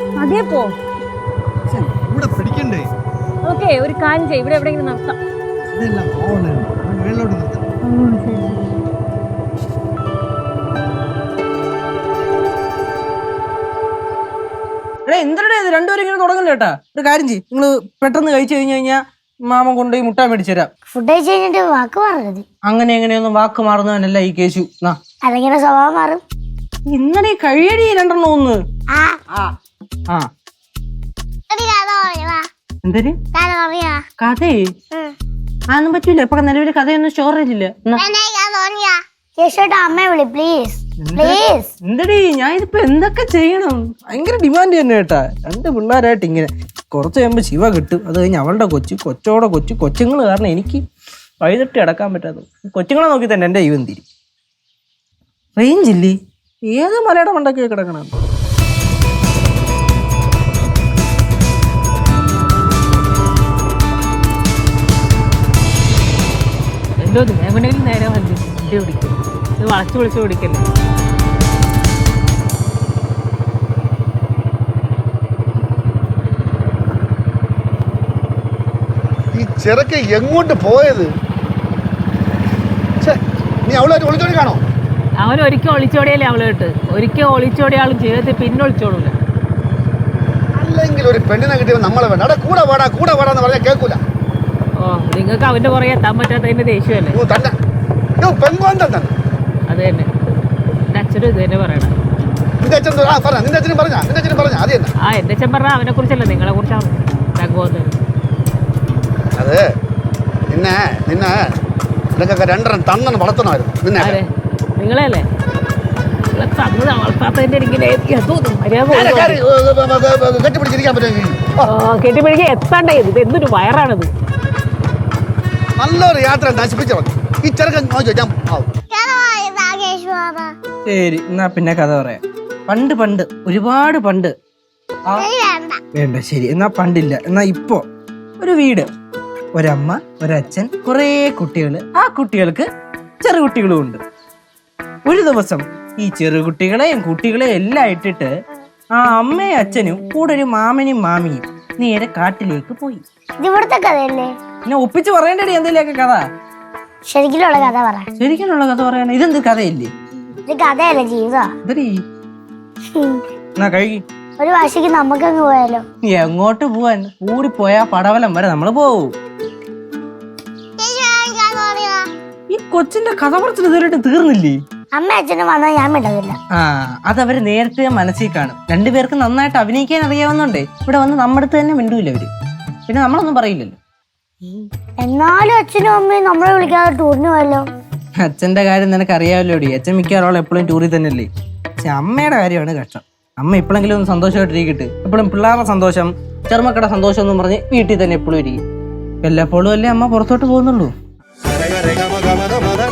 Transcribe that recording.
അതേ പോ. ഇവിടെ പിടിക്കണ്ടേ? ഓക്കെ, ഒരു കാര്യം ചെയ്യും, ഇവിടെ എവിടെയെങ്കിലും നിർത്താം. മേളിലോട്ട് നിർത്താം. എന്തിനാ ഇത് രണ്ടുപേരും ഇങ്ങനെ തുടങ്ങണ്ട കേട്ടാ. ഒരു കാര്യം ചെയ്യും, നിങ്ങള് പെട്ടെന്ന് കഴിച്ചു കഴിഞ്ഞു കഴിഞ്ഞാൽ മാമൻ കൊണ്ടുപോയി മുട്ട മേടിച്ചു തരാം. ഫുഡ് കഴിച്ച് കഴിഞ്ഞിട്ട് വാക്ക് മാറരുത്. അങ്ങനെ എങ്ങനെയൊന്നും വാക്ക് മാറുന്നവനല്ല ഈ കേശു. അല്ലെങ്കിൽ സ്വഭാവം മാറും. ഇന്നലെ കഴിയടി രണ്ടെണ്ണം ഒന്ന്. എന്തര് കഥേ? അതൊന്നും പറ്റൂല. ഇപ്പൊ നിലവിൽ കഥയൊന്നും സ്റ്റോറേജ് ഇല്ല. അമ്മയെ വിളി പ്ലീസ് പ്ലീസ്. എന്തടി ഞാൻ ഇതിപ്പോ എന്തൊക്കെ ചെയ്യണം? ഭയങ്കര ഡിമാൻഡ് തന്നെ കേട്ടാ. രണ്ട് പിള്ളേരായിട്ട് ഇങ്ങനെ കുറച്ച് കഴിയുമ്പോ ശിവ കിട്ടും. അത് കഴിഞ്ഞ് അവളുടെ കൊച്ചുങ്ങൾ കാരണം എനിക്ക് വഴിതട്ടി അടക്കാൻ പറ്റാത്ത കൊച്ചുങ്ങളെ നോക്കി തന്നെ എന്റെ ജീവൻ തിരി. റേഞ്ച് ഇല്ലേ? ഏത് മലയുടെ മണ്ടൊക്കെ കിടക്കണം. എന്തോ എങ്ങനെയും നേരെ വണ്ടി പിടിക്കും. ഇത് വളച്ചു വിളിച്ചു പിടിക്കല്ലേ. ഈ ചെറുക്ക എങ്ങോട്ട് പോയത്? നീ അവളായിട്ട് ഒളിച്ചോടി കാണോ? അവൻ ഒരിക്കൽ ഒളിച്ചോടിയല്ലേ അവളോട്ട്. ഒരിക്കൽ ഒളിച്ചോടിയ ആളും ജീവിതത്തിൽ പിന്നെ ഒളിച്ചോടൂല. അല്ലെങ്കിൽ ഒരു പെണ്ണിനെ കിട്ടിയവൻ നമ്മളെ വേണ്ട. അവിടെ കൂടെ വാടാന്ന് പറഞ്ഞാൽ കേൾക്കൂല. ഓ, നിങ്ങൾക്ക് അവന്റെ പുറകെ എത്താൻ പറ്റാത്തതിന്റെ ദേഷ്യമല്ലേ? അത് തന്നെ എന്റെ അച്ഛനും ഇത് തന്നെ പറയണം. നിന്റെ അച്ഛനും പറഞ്ഞ എന്റെ അച്ഛൻ പറഞ്ഞ അവനെ കുറിച്ചല്ല, നിങ്ങളെ കുറിച്ചാണ്. അതെ, നിന്നെ നിനക്കൊക്കെ രണ്ടെണ്ണം തന്നെന്ന് വളർത്തണമായിരുന്നു. നിങ്ങളല്ലേ തന്നത് വളർത്താത്തതിന്റെ കെട്ടിപ്പിടിച്ചിരിക്കാൻ പറ്റുമെങ്കിൽ കെട്ടിപ്പിടിക്കാൻ എത്താണ്ടേ. ഇത് എന്തൊരു വയറാണിത്. നല്ലൊരു യാത്ര നശിപ്പിച്ചു ഈ ചെറുക്കൻ. ശരി, എന്നാ പിന്നെ കഥ പറയാം. പണ്ട് ഒരുപാട് പണ്ട്. വേണ്ട, ശരി എന്നാ പണ്ടില്ല. എന്നാ ഇപ്പോ ഒരു വീട്, ഒരമ്മ, ഒരച്ഛൻ, കുറേ കുട്ടികള്. ആ കുട്ടികൾക്ക് ചെറുകുട്ടികളും ഉണ്ട്. ഒരു ദിവസം ഈ ചെറുകുട്ടികളെയും കുട്ടികളെയും എല്ലാം ഇട്ടിട്ട് ആ അമ്മയും അച്ഛനും കൂടെ ഒരു മാമനും മാമിയും നേരെ കാട്ടിലേക്ക് പോയി. ഇവിടുത്തെ കഥയല്ലേ? പിന്നെ ഒപ്പിച്ച് പറയേണ്ടടി എന്തെങ്കിലുമൊക്കെ കഥ. ശരിക്കുള്ള കഥ പറ. ശരിക്കുള്ള കഥ പറയാൻ ഇതെന്ത് കഥയില്ലേ? ഇത് കഥയല്ല, ജീവിതം. എന്നാ കഴുകി. ഒരു വാശിക്ക് നമുക്കങ്ങ് പോയാലോ? എങ്ങോട്ട് പോവാൻ? കൂടിപ്പോയാ പടവലം വരെ നമ്മള് പോവും. ഈ കൊച്ചിന്റെ കഥ പറച്ചിൽ ഇതുവരെയായിട്ട് തീർന്നില്ലേ? അമ്മ അച്ഛനും വന്നാൽ ഞാൻ വിടവില്ല. അതവര് നേരത്തെ മനസ്സിൽ കാണും. രണ്ടുപേർക്ക് നന്നായിട്ട് അഭിനയിക്കാൻ അറിയാവുന്നുണ്ടേ ഇവിടെ വന്ന് നമ്മുടെ അടുത്ത് തന്നെ മിണ്ടൂല അവര്. പിന്നെ നമ്മളൊന്നും പറയില്ലല്ലോ. എന്നാലും അച്ഛനും അമ്മയും നമ്മളെ വിളിക്കാതെ ടൂറിന് പോയല്ലോ. അച്ഛന്റെ കാര്യം നിനക്ക് അറിയാമല്ലോടി. അച്ഛൻ മിക്കവാറും എപ്പോഴും ടൂറിൽ തന്നെയല്ലേ. പക്ഷെ അമ്മയുടെ കാര്യമാണ് കഷ്ടം. അമ്മ എപ്പോഴെങ്കിലും ഒന്ന് സന്തോഷമായിട്ടിരിക്കട്ടെ. എപ്പോഴും പിള്ളേരുടെ സന്തോഷം, ചെറുമക്കളുടെ സന്തോഷം എന്നും പറഞ്ഞ് വീട്ടിൽ തന്നെ എപ്പോഴും ഇരിക്കും. വല്ലപ്പോഴും അല്ലേ അമ്മ പുറത്തോട്ട് പോകുന്നുള്ളൂ.